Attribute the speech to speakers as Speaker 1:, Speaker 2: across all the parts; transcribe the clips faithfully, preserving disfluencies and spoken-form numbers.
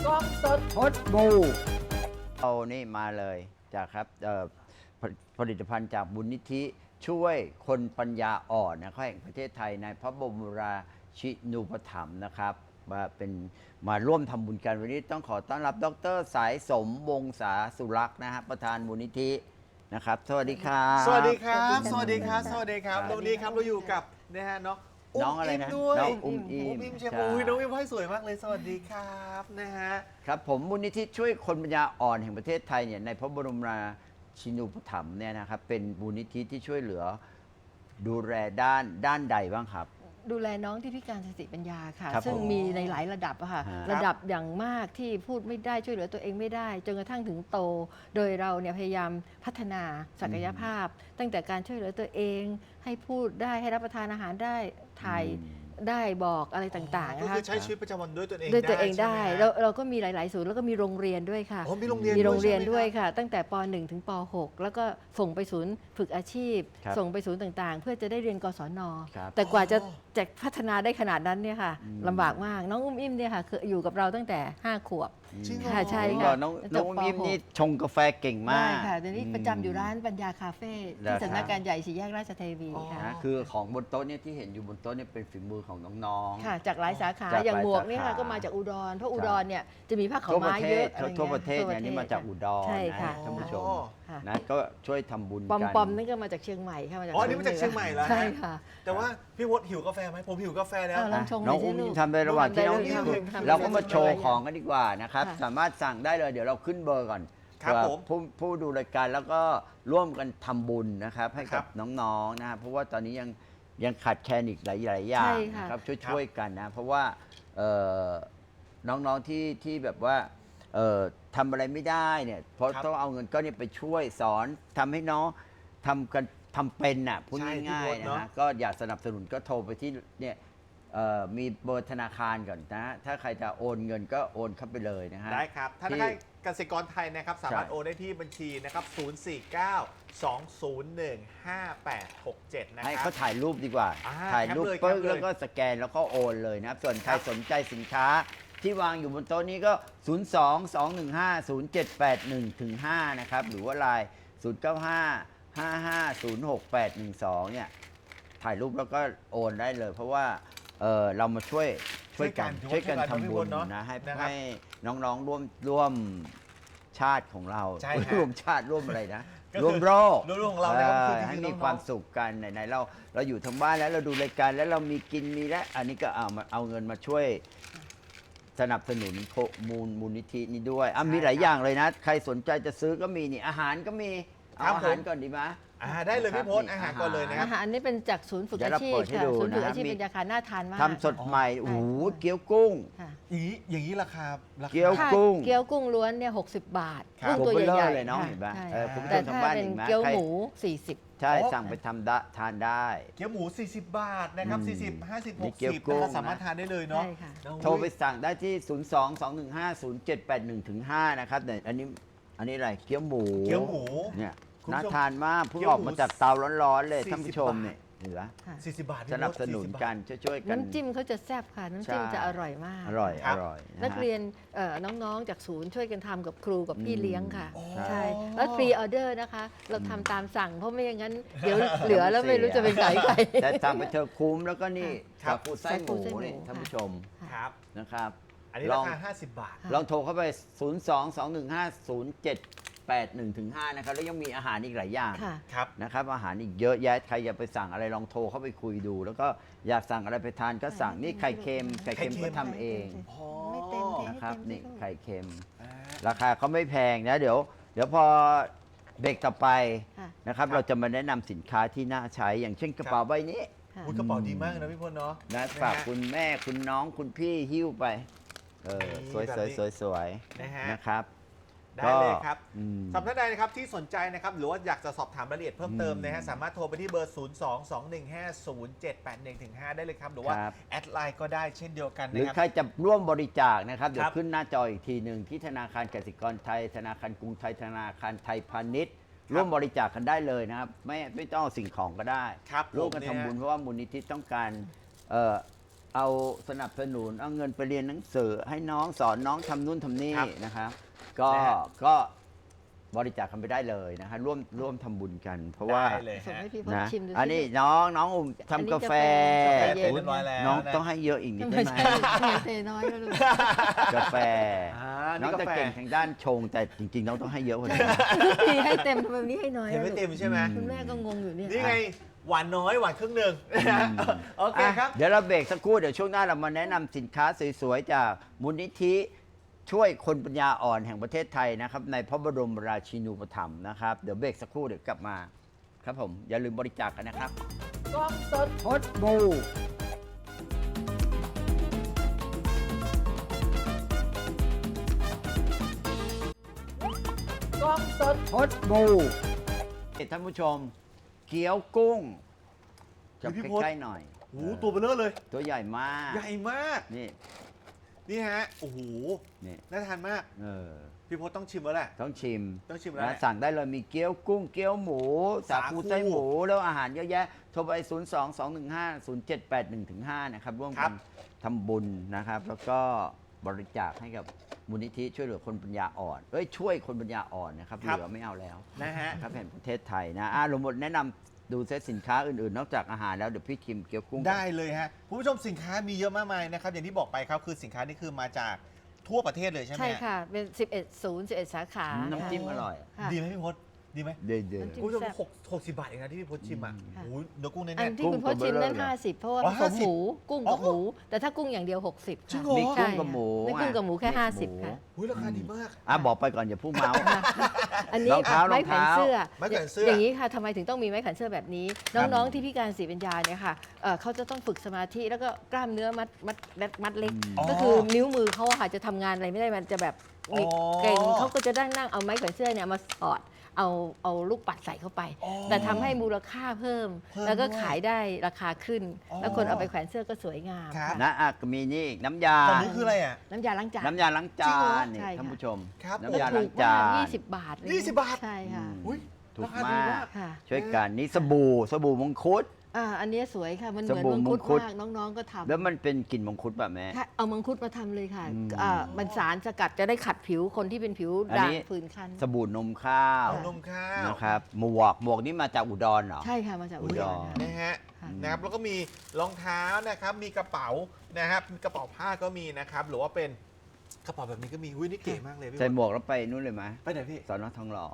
Speaker 1: กล้องสดพดบูเอานี่มาเลยจากครับผผลิตภัณฑ์จากบุญนิธิช่วยคนปัญญาอ่อนนะครับแห่งประเทศไทยในพระบรมราชินูปถัมภ์นะครับมาเป็นมาร่วมทำบุญกันวันนี้ต้องขอต้อนรับดร.สายสมวงศาสุรักษ์นะฮะประธานมูลนิธินะครับสวัสดีครับ
Speaker 2: สวัสดีครับสวัสดีครับสวัสดีครับวันนี้ครับเราอยู่กับนะฮะน้อง
Speaker 1: น้องอะไรนะ
Speaker 2: ด้วย
Speaker 1: น้องอุ้มอิม
Speaker 2: อุ้มอิมใช่ไหมอุ้ยน้องอิมให้สวยมากเลยสวัสดีครับนะฮะ
Speaker 1: ครับผมมูลนิธิช่วยคนปัญญาอ่อนแห่งประเทศไทยเนี่ยในพระบรมราชินูปถัมภ์เนี่ยนะครับเป็นมูลนิธิที่ช่วยเหลือดูแลด้านด้านใดบ้างครับ
Speaker 3: ดูแลน้องที่พิการสติปัญญาค่ะ
Speaker 1: ครับ
Speaker 3: ซึ่งมีในหลายระดับอะค่ะ
Speaker 1: ฮะ
Speaker 3: ระดับอย่างมากที่พูดไม่ได้ช่วยเหลือตัวเองไม่ได้จนกระทั่งถึงโต โดยเราเนี่ยพยายามพัฒนาศักยภาพ ตั้งแต่การช่วยเหลือตัวเอง ให้พูดได้ให้รับประทานอาหารได้ถ่าย
Speaker 1: อืม
Speaker 3: ได้บอกอะไรต่างๆ
Speaker 2: ก็
Speaker 3: นะคะ
Speaker 2: คือใช้ชีวิตประจำวันด้วยตัวเอง
Speaker 3: ด้วยตัวเองได้
Speaker 2: ใช่หม
Speaker 3: เราเราก็มีหลาย ๆ ศูนย์แล้วก็มีโรงเรียนด้วยค่ะ
Speaker 2: อ๋อมีโรงเรียน
Speaker 3: มีโรงเรียน
Speaker 2: ด้
Speaker 3: ด้
Speaker 2: ว
Speaker 3: วย ย
Speaker 2: ใช่ไหมครับ
Speaker 3: ค่ะ ตั้งแต่ป หนึ่ง ถึงป หก แล้วก็ส่งไปศูนย์ฝึกอาชีพ
Speaker 1: ครับ
Speaker 3: ส่งไปศูนย์ต่าง ๆ เพื่อจะได้เรียนกศน
Speaker 1: ครับ
Speaker 3: แต่กว่าจะ
Speaker 2: อ๋อ
Speaker 3: จะพัฒนาได้ขนาดนั้นเนี่ยค่ะ
Speaker 1: อืม
Speaker 3: ลำบากมากน้องอุ้มอิ่มเนี่ยค่ะคืออยู่กับเราตั้งแต่ห้าขวบ
Speaker 2: จริงเหรอ
Speaker 3: ค่ะใช่
Speaker 1: ผม
Speaker 3: ค่ะ
Speaker 1: บอกน้อง
Speaker 3: จบ
Speaker 1: น้องอุ้ม
Speaker 3: ป
Speaker 1: อิม
Speaker 3: หก
Speaker 1: นี่ชงกาแฟเก่งมา
Speaker 3: ได้
Speaker 1: ก
Speaker 3: ค่ะเดี๋ยวนี้ประจำอยู่ร้านปัญญาคาเฟ่
Speaker 1: เหร
Speaker 3: ที่
Speaker 1: อครับ
Speaker 3: สำนักงานใหญ่สี่แยกราชเทวีค่ะ
Speaker 1: นะคือของบนโต๊ะเนี่ยที่เห็นอยู่บนโต๊ะเนี่ยเป็นฝีมือของน้องๆ
Speaker 3: ค่ะ จากหลายสาขา
Speaker 1: จากหลาย
Speaker 3: อย่างหมวกเนี่ยค่ะ
Speaker 1: สาขา
Speaker 3: ก็มาจากอุดรเพราะอุดรเนี่ยจะมีผ้าขา
Speaker 1: ทั่
Speaker 3: ว
Speaker 1: วประ
Speaker 3: ม้า
Speaker 1: เท
Speaker 3: เย
Speaker 1: ศ
Speaker 3: อะอะไร
Speaker 1: ทั่วประเทศ
Speaker 3: งี้
Speaker 1: เนี่ยนี่มาจากอุดร
Speaker 3: ใช่ค่ะ
Speaker 1: นะท่านผู้ชม
Speaker 3: ค่ะ
Speaker 1: นะก็ช่วยทำบุญ
Speaker 3: ปอม
Speaker 1: กัน
Speaker 3: ปอมนี่ก็มาจากเชียงใหม่ค่ะมาจาก
Speaker 2: อ๋อนี่มาจากเชียงใหม่เหรอฮะ
Speaker 3: ใช่ค่ะ
Speaker 2: แต่ว่าพี่วดหิวกาแฟไหมผมหิวกาแฟแล้ว
Speaker 3: เอาลองชง
Speaker 1: น้อง
Speaker 3: หน่
Speaker 1: อุ้
Speaker 3: อย
Speaker 1: ม
Speaker 3: สิลูก
Speaker 1: ทำไประหว่างที่น้อง
Speaker 3: ทำได้
Speaker 1: อิ่ม
Speaker 3: เลยทำ
Speaker 1: เราก็มา
Speaker 3: ได้เลย
Speaker 1: โชว์ของกันดีกว่านะครับ
Speaker 3: ค่ะ
Speaker 1: สามารถสั่งได้เลยเดี๋ยวเราขึ้นเบอร์ก่อน
Speaker 2: ครับ
Speaker 1: เผื่อ
Speaker 2: ผม
Speaker 1: ผู้ผู้ดูรายการแล้วก็ร่วมกันทำบุญนะครับให้
Speaker 2: ครั
Speaker 1: กับบ น้องๆนะครับเพราะว่าตอนนี้ยังยังขาดแคลนอีกหลายๆอย่า
Speaker 3: ใช่
Speaker 1: ง
Speaker 3: ค่ะ
Speaker 1: นะครับช่วยๆกันนะเพราะว่าเอ่อน้องๆที่ที่แบบว่าเอ่อทำอะไรไม่ได้เนี่ยเพราะ
Speaker 2: ครับ
Speaker 1: ต้องเอาเงินก้อนนี้ไปช่วยสอนทำให้น้องทำกันทำเป็นน่ะพูด
Speaker 2: ใช่
Speaker 1: ง่าย
Speaker 2: พี่
Speaker 1: ๆ
Speaker 2: พจน์
Speaker 1: นะ
Speaker 2: เนอะ
Speaker 1: ฮะก็อยากสนับสนุนก็โทรไปที่เนี่ยเอ่อมีเบอร์ธนาคารก่อนนะถ้าใครจะโอนเงินก็โอนเข้าไปเลยนะฮะ
Speaker 2: ได้ครับธนาคารกสิกรไทยนะครับสามารถโอนได้ที่บัญชีนะครับศูนย์ สี่ เก้า สอง ศูนย์ หนึ่ง ห้า แปด หก เจ็ดนะค
Speaker 1: ให้
Speaker 2: รั
Speaker 1: เขา
Speaker 2: บ
Speaker 1: ถ่ายรูปดีกว่า
Speaker 2: อ่า
Speaker 1: ถ่ายรูป
Speaker 2: แคปเลย
Speaker 1: ปึ๊บ
Speaker 2: แคปเลย
Speaker 1: แล้วก็สแกนแล้วก็โอนเลยนะครับ ส่วนใคร
Speaker 2: ครับ
Speaker 1: สนใจสินค้าที่วางอยู่บนโต๊ะนี้ก็ ศูนย์ สอง สอง หนึ่ง ห้า ศูนย์ เจ็ด แปด หนึ่ง ถึง ห้า นะครับ หรือว่าไลน์ ศูนย์ เก้า ห้า ห้า ห้า ศูนย์ หก แปด หนึ่ง สอง เนี่ย ถ่ายรูปแล้วก็โอนได้เลย เพราะว่าเออเรามาช่วยช่วยกัน
Speaker 2: ช่
Speaker 1: ช่ว
Speaker 2: วย ยกั
Speaker 1: กัน
Speaker 2: น
Speaker 1: ทำบุญ
Speaker 2: เนอะ
Speaker 1: นะให้
Speaker 2: นะครับ
Speaker 1: ให้น้องๆร่วมร่วมชาติของเรา
Speaker 2: ใช่ฮะ
Speaker 1: ร่วมชาติร่วมอะไรนะ
Speaker 2: ก็คือ
Speaker 1: ร่วมโลก
Speaker 2: ร่วมโลกของเรานะครับ
Speaker 1: ออ
Speaker 2: คือจริงๆ
Speaker 1: ให้มี
Speaker 2: น้องๆ
Speaker 1: ความสุขกันไหนๆเราเราอยู่ทางบ้านแล้วเราดูรายการแล้วเรามีกินมีและอันนี้ก็เอามาเอาเงินมาช่วยสนับสนุนโคมูลมูลนิธินี้ด้วยอ่ะ
Speaker 2: ใช่
Speaker 1: มีหลาย
Speaker 2: ครับ
Speaker 1: อย่างเลยนะ ใครสนใจจะซื้อก็มีนี่อาหารก็มีเอา
Speaker 2: ครับ
Speaker 1: อาหาร
Speaker 2: ผม
Speaker 1: ก่อนดีไหม
Speaker 2: อ่าได้เลยพี่พจน์
Speaker 1: ครับ
Speaker 2: อาหารก่อนเลยนะครั
Speaker 3: อา
Speaker 2: บ
Speaker 3: หารนี่เป็นจากศูนย์ฝึก
Speaker 1: เดี๋ยว
Speaker 3: อา
Speaker 1: เรา
Speaker 3: ชีพ
Speaker 1: เปิดให้
Speaker 3: ค่ะ
Speaker 1: ดู
Speaker 3: ศูนย์ฝึก
Speaker 1: นะ
Speaker 3: อาชีพ
Speaker 1: มี
Speaker 3: ปัญญาคารน่าทานมาก
Speaker 1: ทำสดใหม่
Speaker 3: ใช่
Speaker 1: โอ้โห
Speaker 3: ค่ะ
Speaker 1: เกี๊ยวกุ้ง
Speaker 3: ค่ะ
Speaker 2: อย่างนี้อย่างนี้ราคาราคา
Speaker 1: เกี๊ยว
Speaker 3: ถ้า
Speaker 1: กุ้ง
Speaker 3: เกี๊ยวกุ้งล้วนเนี่ยหกสิบบาท
Speaker 2: ครับ
Speaker 3: กุ้งตัว
Speaker 1: ตัวเบลอ
Speaker 3: ใหญ่
Speaker 1: เลย
Speaker 3: ๆ
Speaker 1: เนาะ
Speaker 3: ค่ะ
Speaker 1: เห็นปะ
Speaker 3: ใช่
Speaker 1: เออคุณผู้ช
Speaker 3: แต่
Speaker 1: มทาง
Speaker 3: ถ้า
Speaker 1: บ้าน
Speaker 3: เป็น
Speaker 1: เห็นไหม
Speaker 3: เกี๊ยว
Speaker 1: ใคร
Speaker 3: หมูสี่สิบ
Speaker 1: ใช่
Speaker 2: อ๋อ
Speaker 1: สั่งไปทำได้ทานได้
Speaker 2: เกี๊ยวหมู สี่สิบ บาทนะครับ
Speaker 1: อืม
Speaker 2: สี่สิบ ห้าสิบ
Speaker 1: นี่
Speaker 2: หก
Speaker 1: เกี๊ยว
Speaker 2: สิบ
Speaker 1: กุ้
Speaker 2: นะ
Speaker 1: ง
Speaker 2: ครับสามารถทานได้เลยเนาะ
Speaker 3: ใช่ค่ะ
Speaker 2: น้อง
Speaker 1: โทรไปสั่งได้ที่ ศูนย์ สอง สอง หนึ่ง ห้า ศูนย์ เจ็ด แปด หนึ่ง ถึง ห้า นะครับเนี่ยอันนี้อันนี้อะไรเกี๊ยวหมู
Speaker 2: เกี๊ยวหมู
Speaker 1: เนี่ย
Speaker 2: คุณผู้ชม
Speaker 1: น่าทานมากเพิ่ง
Speaker 2: เกี๊ยว
Speaker 1: ออก
Speaker 2: หมู
Speaker 1: มาจากเตาร้อนๆเลย
Speaker 2: สี่สิบ
Speaker 1: ท่านผู้ชมเนี่ยเหลือ
Speaker 3: ค่ะ
Speaker 2: สี่สิบบาทพี่
Speaker 1: สนับสนุน
Speaker 2: สี่สิบบาท
Speaker 1: กันช่วยๆกัน
Speaker 3: น้ำจิ้มเขาจะแซ่บค่ะ น้ำจิ้ม
Speaker 1: ใช่
Speaker 3: จะอร่อยมาก
Speaker 1: อร่อย
Speaker 2: ครั
Speaker 1: อบ ร่อยะฮะ
Speaker 3: นักเรียนเอ่อน้องๆ จากศูนย์ช่วยกันทำกับครูกับพี่
Speaker 1: อืม
Speaker 3: เลี้ยงค่ะ
Speaker 2: อ๋อ
Speaker 3: ใช่ แล้วฟรีออเดอร์นะคะ เราทำตามสั่งเพราะไม่อย่างนั้น เดี๋ยวเหลือแล้วไม่รู้จะไปขายใคร
Speaker 1: แต่สั่งไปเธอะคุ้มแล้วก็นี่
Speaker 2: ครับ
Speaker 1: สาคูไส้หมู
Speaker 3: สาคูไส้หมู
Speaker 1: นี่ท่านผู้ชม
Speaker 2: ครับ
Speaker 1: นะครับ
Speaker 2: อันนี้
Speaker 1: ล
Speaker 2: รา
Speaker 1: อง
Speaker 2: คาห้าสิบบาท
Speaker 3: ค่ะ
Speaker 1: ลองโทรเข้าไป ศูนย์ สอง สอง หนึ่ง ห้า ศูนย์ เจ็ด แปด หนึ่ง ถึง ห้า นะครับแล้วยังมีอาหารอีกหลายอย่าง
Speaker 3: ค่ะ
Speaker 2: ครับ
Speaker 1: นะครับอาหารอีกเยอะแยะใครอยากไปสั่งอะไรลองโทรเข้าไปคุยดู แล้วก็อยากสั่งอะไรไปทานก็สั่งนี่ไข่เค็มไข่เค็ม
Speaker 2: ไข่เค็ม
Speaker 1: ก็ทำเอง
Speaker 2: อ๋อ
Speaker 3: ไม่เต็มเท
Speaker 1: นะครับ
Speaker 3: ให้เต็ม
Speaker 1: นี่
Speaker 3: สิลูก
Speaker 1: ไข่เค็ม
Speaker 2: อ่า
Speaker 1: ราคาเขาไม่แพงนะเดี๋ยว เดี๋ยวพอเบรกต่อไป
Speaker 3: ค่ะ
Speaker 1: นะครับ
Speaker 2: ครับ
Speaker 1: เราจะมาแนะนำสินค้าที่น่าใช้ อย่างเช่นกระเป๋าใบนี้
Speaker 3: ค่ะ
Speaker 2: อุ๊ยกระเป๋าดีมากนะพี่พลเนาะ
Speaker 1: นะ
Speaker 2: ฮ
Speaker 1: ฝากคุณแม่คุณน้องคุณพี่หิ้วไปเออ
Speaker 2: นี่
Speaker 1: สวย
Speaker 2: แบบ
Speaker 1: สวย
Speaker 2: นี้
Speaker 1: สวยสวย
Speaker 2: นะฮะ
Speaker 1: นะครับ
Speaker 2: ได้เลยครับ
Speaker 1: อืม
Speaker 2: สำหรับท่านใดนะครับที่สนใจนะครับหรือว่าอยากจะสอบถามรายละเอียดเพิ่มเติมนะฮะ
Speaker 1: อืม
Speaker 2: สามารถโทรไปที่เบอร์ ศูนย์ สอง สอง หนึ่ง ห้า ศูนย์ เจ็ด แปด หนึ่ง ถึง ห้า ได้เลยครับ หรือว่า
Speaker 1: ครับ
Speaker 2: แอดไลน์ก็ได้เช่นเดียวกัน
Speaker 1: หรือ
Speaker 2: นะค
Speaker 1: ใคร
Speaker 2: รับ
Speaker 1: จะร่วมบริจาคนะครับ เดี๋ย
Speaker 2: ครั
Speaker 1: ว
Speaker 2: บ
Speaker 1: ขึ้นหน้าจออีกทีหนึ่งที่ธนาคารกสิกรไทย ธนาคารกรุงไทยธนาคารไทยพาณิชย์ ร่วมบริจาคกันได้เลยนะครับ ไม่ไม่ต้องเอาสิ่งของก็ได้
Speaker 2: ครับ
Speaker 1: ร่วมกัน
Speaker 2: ผมเนี่ย
Speaker 1: ทำบุญเพราะว่ามูลนิธิต้องการเอ่อเอาสนับสนุนเอาเงินไปเรียนหนังสือให้น้องสอนน้องทำนู่นทำนี่
Speaker 2: ครับ
Speaker 1: นะครับก็
Speaker 2: นะฮะ
Speaker 1: ก็บริจาคกันไปได้เลยนะฮะร่วมร่วมทำบุญกัน เพราะว่า
Speaker 2: ได้เลย
Speaker 3: ส่ง
Speaker 2: ฮะ
Speaker 3: ให้พี่พจ
Speaker 1: นะ
Speaker 3: น์ชิมดูสิ
Speaker 1: อันนี้น้องน้องอุ้ม
Speaker 3: อัน
Speaker 1: ทำ
Speaker 3: นี้
Speaker 1: กาแฟ
Speaker 3: กาแฟ
Speaker 2: เสร็จเรียบร้อยแล้ว
Speaker 1: น้อง
Speaker 2: นะ
Speaker 1: ต้องให้เยอะอีกนิด
Speaker 3: ไม่
Speaker 1: ได้ไหม
Speaker 3: ใช่เทน้อยแล้วลูก
Speaker 1: กาแฟ
Speaker 2: อ่า
Speaker 1: น้อง
Speaker 2: นี่
Speaker 1: จะ
Speaker 2: กาแฟ
Speaker 1: เก่งทางด้านชง แต่จริงๆ น้องต้องให้เยอะกว่านี้
Speaker 3: ทีให้เต็มทำไมวันนี้ให้น้อย
Speaker 2: เห็น
Speaker 3: อะ
Speaker 2: ไม่
Speaker 3: ลูก
Speaker 2: เต็มใช่ไหม
Speaker 3: คุณแม่ก็งงอยู่เนี่ย
Speaker 2: นี่ไง หวานน้อยหวานครึ่งหนึ่งโอเคครับ
Speaker 1: อ่ะเดี๋ยวเราเบรกสักครู่ เดี๋ยวช่วงหน้าเรามาแนะนำสินค้าสวยๆ จากมูลนิธิช่วยคนปัญญาอ่อนแห่งประเทศไทยนะครับ ในพระบรมราชินูปถัมภ์นะครับ เดี๋ยวเบรกสักครู่เดี๋ยวกลับมา ครับผม อย่าลืมบริจาคกันนะครับกล้องสดพดบูกล้องสดพดบูท่านผู้ชม เกี๊ยวกุ้งจะ
Speaker 2: พี่
Speaker 1: ใก
Speaker 2: พศ
Speaker 1: ล้ๆหน่อย
Speaker 2: โอ้โหตัวเบลเลอร์เลย
Speaker 1: ตัวใหญ่มาก
Speaker 2: ใหญ่มาก
Speaker 1: นี่
Speaker 2: นี่ฮะ โอ้โห
Speaker 1: นี่
Speaker 2: น่าทานมาก
Speaker 1: เออ
Speaker 2: พี่พศต้องชิมแล้วแหละ
Speaker 1: ต้องชิม
Speaker 2: ต้องชิมแล้ว
Speaker 1: นะ
Speaker 2: แหละ
Speaker 1: สั่งได้เลยมีเกี๊ยวกุ้งเกี๊ยวหมู สา
Speaker 2: สาคู
Speaker 1: คูไส้หมู แล้วอาหารเยอะแยะ โทรไป ศูนย์ สอง สอง หนึ่ง ห้า ศูนย์ เจ็ด แปด หนึ่ง ห้า นะครับ ร่วม
Speaker 2: ครั
Speaker 1: กัน
Speaker 2: บ
Speaker 1: ทำบุญนะครับ แล้วก็บริจาคให้กับมูลนิธิช่วยเหลือคนปัญญาอ่อน เอ้ย ช่วยคนปัญญาอ่อนนะครับ เหลือไม่เอาแล้ว
Speaker 2: นะฮะ
Speaker 1: นะครับแห่งประเทศไทยนะอ่ะลงหมดแนะนำดูเซตสินค้าอื่นๆ นอกจากอาหารแล้วเดี๋ยวพี่ชิมเกี๊ยวกุ้ง
Speaker 2: ได้เลยฮะคุณผู้ชมสินค้ามีเยอะมากมายนะครับ อย่างที่บอกไปครับคือสินค้านี่คือมาจากทั่วประเทศเลยใช่ไหม
Speaker 3: ใช่ค่ะ เป็น สิบเอ็ด ศูนย์ สิบเอ็ด สาขา
Speaker 1: อืมน้ำจิ้ม
Speaker 3: ค่ะ
Speaker 1: อร่อย
Speaker 3: ค่ะ
Speaker 2: ดีไหมพี่พศดีไหม
Speaker 1: เดือดเดือด
Speaker 3: น้ำจิ้
Speaker 2: คุณผู้ชมหกหกสิบบาทเองนะที่พี่พศชิมอ่ะ
Speaker 3: ค่ะ
Speaker 2: โอ้โหเนื้อกุ้งแน่
Speaker 3: อัน
Speaker 2: ๆ
Speaker 3: ที่คุณพจน์ชิมนั่น
Speaker 1: กุ้งตัวเบลอเลย
Speaker 3: ห้าสิบเพราะว่า
Speaker 2: อ๋อ
Speaker 3: ผสม
Speaker 2: 50
Speaker 3: หมูกุ้งกับ
Speaker 2: อ๋อ
Speaker 3: หมู แต่ถ้ากุ้งอย่างเดียว หกสิบ
Speaker 2: จริง
Speaker 3: ค่ะ
Speaker 2: เหรอ
Speaker 1: มีกุ้งกับหมู
Speaker 3: ไม่กุ้งกับหมูแค่
Speaker 1: อ่ะ
Speaker 3: ห้าสิบ
Speaker 1: หมู
Speaker 3: ค่ะ
Speaker 2: อุ้ยราคาดีมาก
Speaker 1: อ่ะบอกไปก่อนอย่าพูดเมาส์
Speaker 3: อันนี้
Speaker 1: รองเท้า
Speaker 3: ไม้แขวนเสื้อ
Speaker 2: ไม้แขวนเสื้อ
Speaker 3: อย่างนี้ค่ะทำไมถึงต้องมีไม้แขวนเสื้อแบบนี้ น้องๆที่พิการสีปัญญาเนี่ยค่ะเอ่อเขาจะต้องฝึกสมาธิแล้วก็กล้ามเนื้อมัดมัดมัดมัดเล็ก
Speaker 2: อ๋อ
Speaker 3: ก็คือนิ้วมือเขาอะค่ะจะทำงานอะไรไม่ได้มันจะแบบมี
Speaker 2: อ๋อ
Speaker 3: เกร็งเขาก็จะนั่งนั่งเอาไม้แขวนเสื้อเนี่ยมาสอดเอาเอาลูกปัดใส่เข้าไป
Speaker 2: อ๋อ
Speaker 3: แต่ทำให้มูลค่าเพิ่ม
Speaker 2: เพิ่ม
Speaker 3: แล้วก็
Speaker 2: ด้วย
Speaker 3: ขายได้ราคาขึ้น
Speaker 2: อ๋อ
Speaker 3: แล้วคนเอาไปแขวนเสื้อก็สวยงาม
Speaker 2: ครับ
Speaker 3: ค่ะ
Speaker 1: นะอ่ะก็มีนี่อีกน้ำยา
Speaker 2: ตอนนี้คืออะไรอ่ะ
Speaker 3: น้ำยาล้างจาน
Speaker 1: น้ำยาล้างจา
Speaker 2: จริงเหรอ
Speaker 1: นนี่
Speaker 3: ใช่ค่ะ
Speaker 1: ท่านผู้ชม
Speaker 2: ครับ
Speaker 1: น้ำยา
Speaker 3: ถู
Speaker 1: ล้าง
Speaker 3: ก
Speaker 1: จาม
Speaker 3: าก
Speaker 1: น
Speaker 3: ยี่สิบบาทอะไร
Speaker 2: ยี่สิบบาท
Speaker 3: ใช่ค่ะ
Speaker 1: อืม
Speaker 2: อุ้ย
Speaker 1: ถูก
Speaker 2: ราคาดี
Speaker 1: มาก
Speaker 3: ค่ะ
Speaker 1: ช่วยกันนี่สบู่สบู่มงคุด
Speaker 3: อ่าอันนี้สวยค่ะ มันเหมือน
Speaker 1: สบู่
Speaker 3: มังคุด
Speaker 1: มังคุด
Speaker 3: มากน้องๆก็ทำ
Speaker 1: แล้วมันเป็นกลิ่นมงคุดแบบแม่
Speaker 3: ค่ะเอามังคุดมาทำเลยค่ะ
Speaker 1: อืม
Speaker 3: อ่ามันสารสกัดจะได้ขัดผิวคนที่เป็นผิว
Speaker 1: อัน
Speaker 3: ด่า
Speaker 1: นี้
Speaker 3: งผื่นคัน
Speaker 1: สบู่นมข้าว
Speaker 2: เอานมข้าว
Speaker 1: นะครับหมวกหมวกนี่มาจากอุดรเหรอ
Speaker 3: ใช่ค่ะ มาจากอุ
Speaker 1: อุ
Speaker 3: ด
Speaker 1: ด
Speaker 3: ร
Speaker 1: ร
Speaker 3: ค่ะ
Speaker 2: นะฮะ
Speaker 3: ค่ะ
Speaker 2: นะครับแล้วก็มีรองเท้านะครับมีกระเป๋านะครับมีกระเป๋าผ้าก็มีนะครับหรือว่าเป็นกระเป๋าแบบนี้ก็มีหุ้ยนี่เก๋มากเลยพี่
Speaker 1: ใส่หมวกแล้วไปนู่นเลยไหม
Speaker 2: ไปไหนพี่
Speaker 1: สอนอทองหล่อ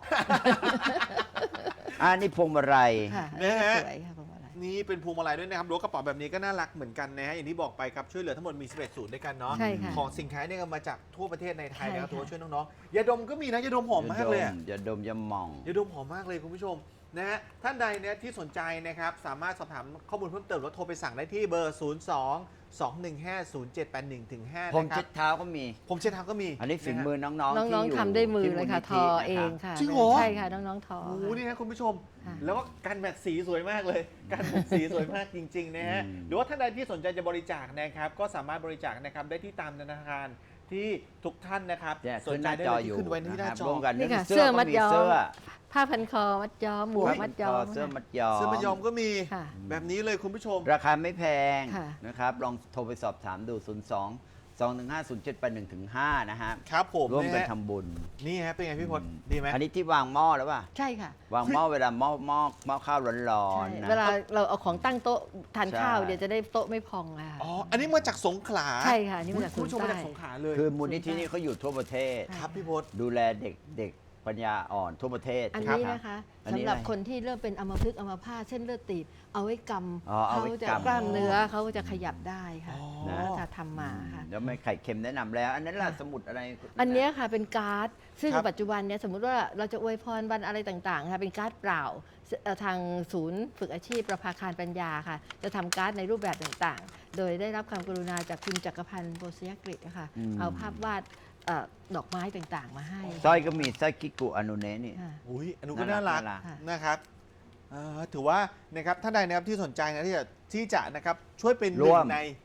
Speaker 1: อ่านี่พวงมาลัย
Speaker 3: ค่ะ
Speaker 2: นะฮะ
Speaker 3: สวยค่ะประมาณนั้น
Speaker 2: นี่เป็นพวงมาลัยด้วยนะครับหรือว่ากระเป๋าแบบนี้ก็น่ารักเหมือนกันนะฮะอย่างที่บอกไปครับช่วยเหลือทั้งหมดมีสิบเอ็ดศูนย์ด้วยกันเนาะ
Speaker 3: ใช่ค่ะ
Speaker 2: ของสินค้าเนี่ยก็มาจากทั่วประเทศในไทยนะครับ
Speaker 3: ใช่ค่ะ
Speaker 2: ถือว่าช่วยน้องๆยาดมก็มีนะยาดมหอมมากเลยอะ
Speaker 1: อย่าดมอย่ามอง
Speaker 2: ยาดมหอมมากเลยคุณผู้ชมนะฮะท่านใดเนี่ยที่สนใจนะครับสามารถสอบถามข้อมูลเพิ่มเติมหรือว่าโทรไปสั่งได้ที่เบอร์ ศูนย์ สอง สอง หนึ่ง ห้า ศูนย์ เจ็ด แปด หนึ่ง ถึง ห้า
Speaker 1: ผม
Speaker 2: นะครั
Speaker 1: เช็
Speaker 2: บ
Speaker 1: ดเท้าก็มี
Speaker 2: ผมเช็ดเท้าก็มี
Speaker 1: อันนี้ฝีมือน้องๆ
Speaker 3: น้
Speaker 1: ที่
Speaker 3: อง
Speaker 1: อยู่
Speaker 3: ๆทำด้วยมือ
Speaker 1: ที่
Speaker 3: เลยค่ะ ท
Speaker 1: มู
Speaker 3: อ
Speaker 1: ลนิธิ
Speaker 3: เอง
Speaker 1: นะ
Speaker 3: ค่ะ
Speaker 2: จริงเหรอ
Speaker 3: ใช่ค่ะ น้องๆทอ
Speaker 2: โอ้โห
Speaker 3: ค่ะ
Speaker 2: นี่นะคุณผู้ชม
Speaker 3: ค่ะ
Speaker 2: แล้วก็การแมทสีสวยมากเลย การแมทสีสวยมากจริงๆนะฮะ
Speaker 1: อืม
Speaker 2: หรือว่าท่านใดที่สนใจจะบริจาคนะครับ ก็สามารถบริจาคนะครับได้ที่ตามธนาคารที่ทุกท่านนะครับ
Speaker 1: เนี่ย
Speaker 2: ส
Speaker 1: ขึ้
Speaker 2: น
Speaker 1: นห
Speaker 2: ใจ
Speaker 1: น้า
Speaker 2: ได้
Speaker 1: จอ
Speaker 2: เลย
Speaker 1: อ
Speaker 2: ที่
Speaker 1: ยู่
Speaker 2: ขึ้นไว้ที่หน้า
Speaker 1: นะครับ
Speaker 2: จอ
Speaker 1: ร่วมกัน
Speaker 3: นี่ค่ะ
Speaker 1: เสื้อ
Speaker 3: เสื้อมั
Speaker 1: ก็
Speaker 3: ด
Speaker 1: มี
Speaker 3: ย้อม
Speaker 1: เสื้อ
Speaker 3: ผ้าพันคอมัดย้อมหมวกมัดย้อม
Speaker 1: เสื้อมัดย้อม
Speaker 2: เสื้อมายอมก็มี
Speaker 3: ค่ะ
Speaker 2: แบบนี้เลยคุณผู้ชม
Speaker 1: ราคาไม่แพง
Speaker 3: ค่ะ
Speaker 1: นะครับ ลองโทรไปสอบถามดู ศูนย์ สอง สอง หนึ่ง ห้า ศูนย์ เจ็ด แปด หนึ่ง ถึง ห้า นะฮะ
Speaker 2: ครับผม
Speaker 1: ร่วมกัน
Speaker 2: นะฮะ
Speaker 1: ทำบุญ
Speaker 2: นี่ฮะเป็นไงพี่พลดีไหม
Speaker 1: อันนี้ที่วางหม้อแล้วป่ะ
Speaker 3: ใช่ค่ะ
Speaker 1: วางหม้อเวลาหม้อหม้อหม้อข้าวร้อน
Speaker 3: ใช่
Speaker 1: ๆนะ
Speaker 3: เวลาเราเอาของตั้งโต๊ะทาน
Speaker 1: ใช่
Speaker 3: ข้าวเดี๋ยวจะได้โต๊ะไม่พองอะค่ะ
Speaker 2: อ๋ออันนี้มาจากสงขลา
Speaker 3: ใช่ค่ะนี่มาจาก
Speaker 2: คุณผู้ชม
Speaker 3: ศูนย์
Speaker 2: มาจาก
Speaker 3: ใต้
Speaker 2: สงขลาเลย
Speaker 1: คือมูลนิธินี่เขาอยู่ทั่วประเทศ
Speaker 3: ใช่
Speaker 2: ครับพี่พล
Speaker 1: ดูแลเด็กเด็กปัญญาอ่อนทั่วประเทศ
Speaker 3: อัน
Speaker 1: รั
Speaker 3: นี้
Speaker 1: บ
Speaker 3: นะคะ
Speaker 1: อันนี้
Speaker 3: สำหรับ
Speaker 1: อะไร
Speaker 3: คนที่เริ่มเป็นอัมพฤกษ์อัมพาตเส้นเลือดตีบเอาไว้ก
Speaker 1: อ๋อ
Speaker 3: ำ
Speaker 1: เอา
Speaker 3: เขา
Speaker 1: ไว้
Speaker 3: จะ
Speaker 1: กำ
Speaker 3: กล้ามเนื้อเขาจะขยับได้ค่ะ
Speaker 2: อ๋อ
Speaker 3: แล้วจะทำมาค่ะ
Speaker 1: แล้วไม่ไข่เค็มแนะนำแล้ว อันนั้นล่ะ
Speaker 3: ค่ะ
Speaker 1: สมุดอะไร
Speaker 3: อันเนี้ยค่ะเป็นการ์ด ซึ่ง
Speaker 2: ครับ
Speaker 3: ปัจจุบันเนี่ยสมมุติว่าเราจะอวยพรวันอะไรต่างๆค่ะเป็นการ์ดเปล่าเอ่อทางศูนย์ฝึกอาชีพประภาคารปัญญาค่ะ จะทำการ์ดในรูปแบบต่างๆ โดยได้รับความกรุณาจากคุณจักรพันธ์โบสยกฤษนะคะเอาภาพวาดเอ่อดอกไม้ต่างๆ มาให้
Speaker 1: สร้อยก็มีสร้อยกิกุอนุเนะนี่
Speaker 3: ค่ะ
Speaker 2: อุ้ยอันนู้นก็
Speaker 1: น่า
Speaker 2: น่า
Speaker 1: รั
Speaker 2: รั
Speaker 1: ก
Speaker 2: ก
Speaker 1: น่ารัก
Speaker 3: ค่ะ
Speaker 2: นะครับเอ่อถือว่านะครับท่านใดนะครับที่สนใจนะที่จะที่จะนะครับช่วยเป็นห
Speaker 1: ร่
Speaker 2: นึ่
Speaker 1: ว
Speaker 2: ง
Speaker 1: ม
Speaker 2: ใน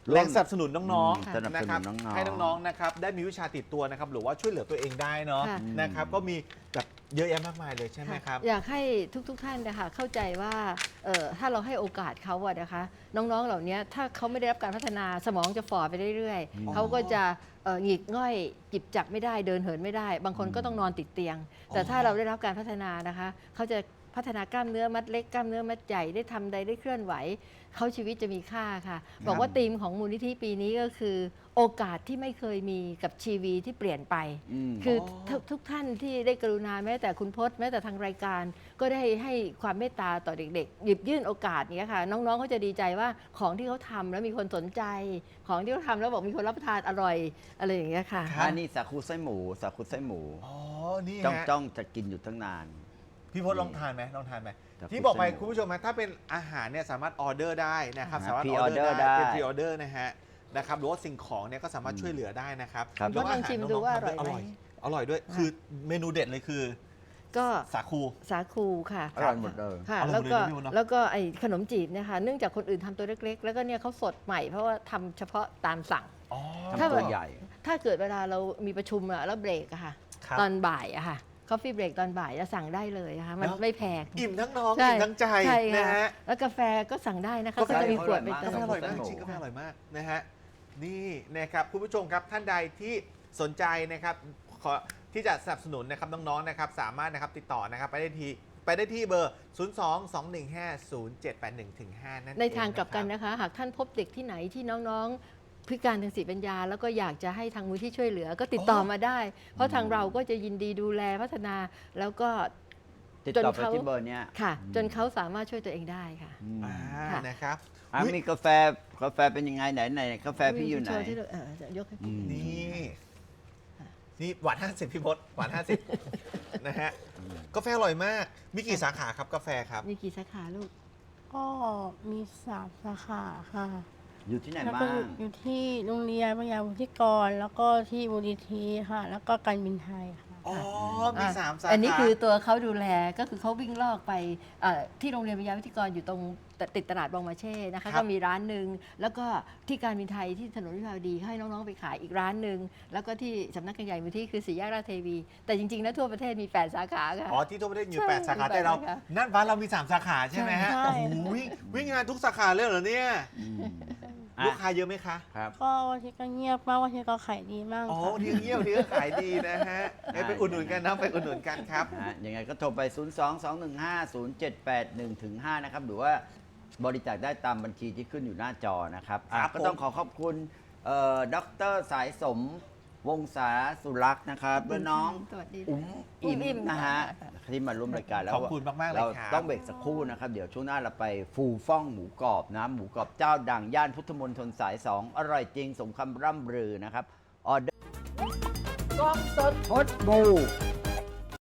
Speaker 2: แรงสนับสนุนน้อง
Speaker 1: อืมสนับ
Speaker 2: ๆนะ
Speaker 1: ส
Speaker 2: ครับ
Speaker 1: นุนน้องๆ
Speaker 2: ให้น้องๆนะครับได้มีวิชาติดตัวนะครับหรือว่าช่วยเหลือตัวเองได้เนาะ
Speaker 3: ค่ะ
Speaker 2: นะครับก็มีแบบเยอะแยะมากมายเลยใช่ไหมครับ
Speaker 3: อยากให้ทุกๆท่านนะคะเข้าใจว่าเอ่อถ้าเราให้โอกาสเขาอะนะคะ น้องๆเหล่านี้ถ้าเขาไม่ได้รับการพัฒนาสมองจะฝ่อไปเรื่อย
Speaker 1: อืม
Speaker 3: ๆเขาก็จะเอ่อหงิกง่อยจิบจับไม่ได้เดินเหินไม่ได้ บางคนก็ต้องนอนติดเตียง แต่ถ้าเราได้รับการพัฒนานะคะเขาจะพัฒนากล้ามเนื้อมัดเล็กกล้ามเนื้อมัดใหญ่ได้ทำใดได้เคลื่อนไหวเขาชีวิตจะมีค่าค่ะ บอกว่าธีมของมูลนิธิปีนี้ก็คือ โอกาสที่ไม่เคยมีกับชีวิตที่เปลี่ยนไป
Speaker 1: อืม
Speaker 3: คือ
Speaker 2: อ๋อ
Speaker 3: ทุกทุกท่านที่ได้กรุณาแม้แต่คุณพจน์แม้แต่ทางรายการ ก็ได้ให้ความเมตตาต่อเด็กๆ หยิบยื่นโอกาสเนี้ยค่ะ น้องๆเขาจะดีใจว่าของที่เขาทำแล้วมีคนสนใจ ของที่เขาทำแล้วบอกมีคนรับประทานอร่อยอะไรอย่างเงี้ยค่ะ
Speaker 2: ครับ
Speaker 1: อันนี้สาคูไส้หมูสาคูไส้หมู
Speaker 2: อ๋อนี่
Speaker 1: จ้อง
Speaker 2: ฮะ
Speaker 1: จ้องจะกินอยู่ตั้งนาน
Speaker 2: พี่พจน์ลองทานไหมลองทานไหม
Speaker 1: แต่
Speaker 2: ที่บอกไป
Speaker 1: คุณ
Speaker 2: คุณผู้ชมนะถ้าเป็นอาหารเนี่ยสามารถออเดอร์ได้นะครับ
Speaker 1: อ่า
Speaker 2: สามารถออ
Speaker 1: pre-order
Speaker 2: เดอร์ได้
Speaker 1: ได้
Speaker 2: เป็นพรีออเดอร์นะฮะนะครับหรือว่าสิ่งของเนี่ยก็สามารถช่วยเหลือได้นะครับ
Speaker 1: ครับ
Speaker 2: แล้ว
Speaker 3: ลองชิมดูว่าอร่อยไหม
Speaker 2: อร่อยอร่อยด้วยคือเมนูเด็ดเลยคือ
Speaker 3: ก็
Speaker 2: สาคู
Speaker 3: สาคูค่ะ
Speaker 1: อร่อยหมดเลย
Speaker 3: ค่ะ
Speaker 2: อร่
Speaker 3: แล้
Speaker 2: อยว หมด
Speaker 3: ก็
Speaker 2: เลยนะพี่มดเนอะ
Speaker 3: แล้วก็ไอ้ขนมจีบเนะคะเนื่องจากคนอื่นทำตัวเล็กๆ แล้วก็เนี่ยเขาสดใหม่เพราะว่าทำเฉพาะตามสั่ง
Speaker 2: อ๋อ
Speaker 3: ถ้า
Speaker 1: ทำตัวใหญ่
Speaker 3: ถ้าเกิดเวลาเรามีประชุมอะแล้วเบรกอะค่ะ
Speaker 2: ครับ
Speaker 3: ตอนบ่ายอะค่ะคอฟฟี่เบรกตอนบ่ายจะสั่งได้เลยนะคะมัน
Speaker 2: เนอะ
Speaker 3: ไม่แพง
Speaker 2: อิ่มทั้งน้อง
Speaker 3: ใช่
Speaker 2: อิ่มทั้งใจ
Speaker 3: ใช่
Speaker 2: นะ
Speaker 3: ค่ะ
Speaker 2: ฮะ
Speaker 3: แล้วกาแฟก็สั่งได้นะคะ
Speaker 2: กาแฟ
Speaker 3: ก็จะมีขวดไป
Speaker 1: อร่อยมาก
Speaker 3: เติ
Speaker 2: กาแฟ
Speaker 3: ม
Speaker 2: อร่อยมาก
Speaker 1: กาแฟ
Speaker 2: จริงกาแฟอร่อยมากนะฮะนี่นะครับคุณผู้ชมครับท่านใดที่สนใจนะครับขอที่จะสนับสนุนนะครับน้องๆนะครับสามารถนะครับติดต่อนะครับไปได้ที่ไปได้ที่เบอร์ ศูนย์ สอง สอง หนึ่ง ห้า ศูนย์ เจ็ด แปด หนึ่ง ถึง ห้า นั่นเอง
Speaker 3: ในทางกลับกัน
Speaker 2: นะ
Speaker 3: นะคะ หากท่านพบเด็กที่ไหนที่น้องๆ พิการทางสติปัญญา แล้วก็อยากจะให้ทางมูลที่ช่วยเหลือก็ติดต่อมาได้ เพราะทางเราก็จะยินดีดูแลพัฒนาแล้วก็
Speaker 1: ติด
Speaker 3: จน
Speaker 1: ต่อไป
Speaker 3: เขา
Speaker 1: ที่เบอร์เนี้ย
Speaker 3: ค่ะ จนเขาสามารถช่วยตัวเองได้ค่ะ
Speaker 1: อืม
Speaker 2: อ่า
Speaker 3: ค่ะ
Speaker 2: นะครับ
Speaker 1: อ่ะ
Speaker 2: อุ๊ย
Speaker 1: มีกาแฟกาแฟเป็นยังไงไหนไหนกาแฟพี่อยู่ไหน
Speaker 3: โชว์ที่เราเออจะยกให้
Speaker 1: อืม
Speaker 2: นี่นี่หวานห้าสิบพี่พศหวานห้าสิบนะฮะกาแฟอร่อยมาก มีกี่สาขาครับกาแฟครับ
Speaker 3: มีกี่สาขาลูก
Speaker 4: ก็มีสามสาขาค่ะ
Speaker 1: อยู่ที่ไหน
Speaker 4: แล้ว
Speaker 1: บ้า
Speaker 4: ก็
Speaker 1: ง
Speaker 4: อยู่ที่โรงเรียนปัญญาวุฒิกร แล้วก็ที่มูลนิธิค่ะ แล้วก็การบินไทยค่ะ
Speaker 2: อ๋อ มีสามสาขา
Speaker 3: อันนี้คือตัวเขาดูแลก็คือเขาวิ่งลอกไปเอ่อที่โรงเรียนวิทยาวิทยกรอยู่ตรงติดตลาดบองมาเช่นะคะ
Speaker 2: ครับ
Speaker 3: ก็มีร้านหนึ่งแล้วก็ที่การบินไทยที่ถนนวิภาวดีให้น้องๆไปขายอีกร้านหนึ่งแล้วก็ที่สำนักงานใหญ่มูลที่คือสี่แยกราชเทวี แต่จริงๆแล้วทั่วประเทศมีแปดสาขาค่ะ
Speaker 2: อ๋อที่ทั่วประเทศอยู่
Speaker 3: ใช่
Speaker 2: แปดสาขา
Speaker 3: มีแปด
Speaker 2: แต่เรา
Speaker 3: สาขา
Speaker 2: นั่นบ้านเรามีสามสาขาใช่ไหมฮะ
Speaker 4: ใช่
Speaker 2: โอ้โหวิ่งวิ่งงานทุกสาขาเลยเหรอเนี่ย
Speaker 1: อืม
Speaker 2: ลูกค้าเยอะไหมคะ
Speaker 1: ครับ
Speaker 4: ก็วันที่ก็เงียบมากวันที่ก็ขายดีมาก
Speaker 2: อ๋อ
Speaker 4: ค่ะ
Speaker 2: ทีเงียบทีก็ขายดีนะฮะให้ไปอุดหนุนกันนะไปอุดหนุนกันครับ
Speaker 1: นะฮะยังไงก็โทรไป ศูนย์ สอง สอง หนึ่ง ห้า ศูนย์ เจ็ด แปด หนึ่ง ถึง ห้า นะครับ หรือว่าบริจาคได้ตามบัญชีที่ขึ้นอยู่หน้าจอนะครับอ่ะ
Speaker 2: ครับ
Speaker 1: ก็ต้อง
Speaker 2: ผม
Speaker 1: ขอขอบคุณเอ่อดรสายสมวงศาสุรักษ์นะครับและน้อง
Speaker 3: สวัสดี
Speaker 1: อุ้ม
Speaker 3: อุ้
Speaker 1: อิ่
Speaker 3: มอิ่ม
Speaker 1: มนะฮะ
Speaker 3: ค่ะ
Speaker 1: ที่มาร่วมรายการแล้ว
Speaker 2: ขอบคุณมากๆเลย
Speaker 1: เรา
Speaker 2: ครับ
Speaker 1: ต้องเบรกสักครู่นะครับ เดี๋ยวช่วงหน้าเราไปฟูฟ่องหมูกรอบนะหมูกรอบเจ้าดังย่านพุทธมณฑลสายสองอร่อยจริงสมคำร่ำลือนะครับออเดอร์กล้องสดพดบู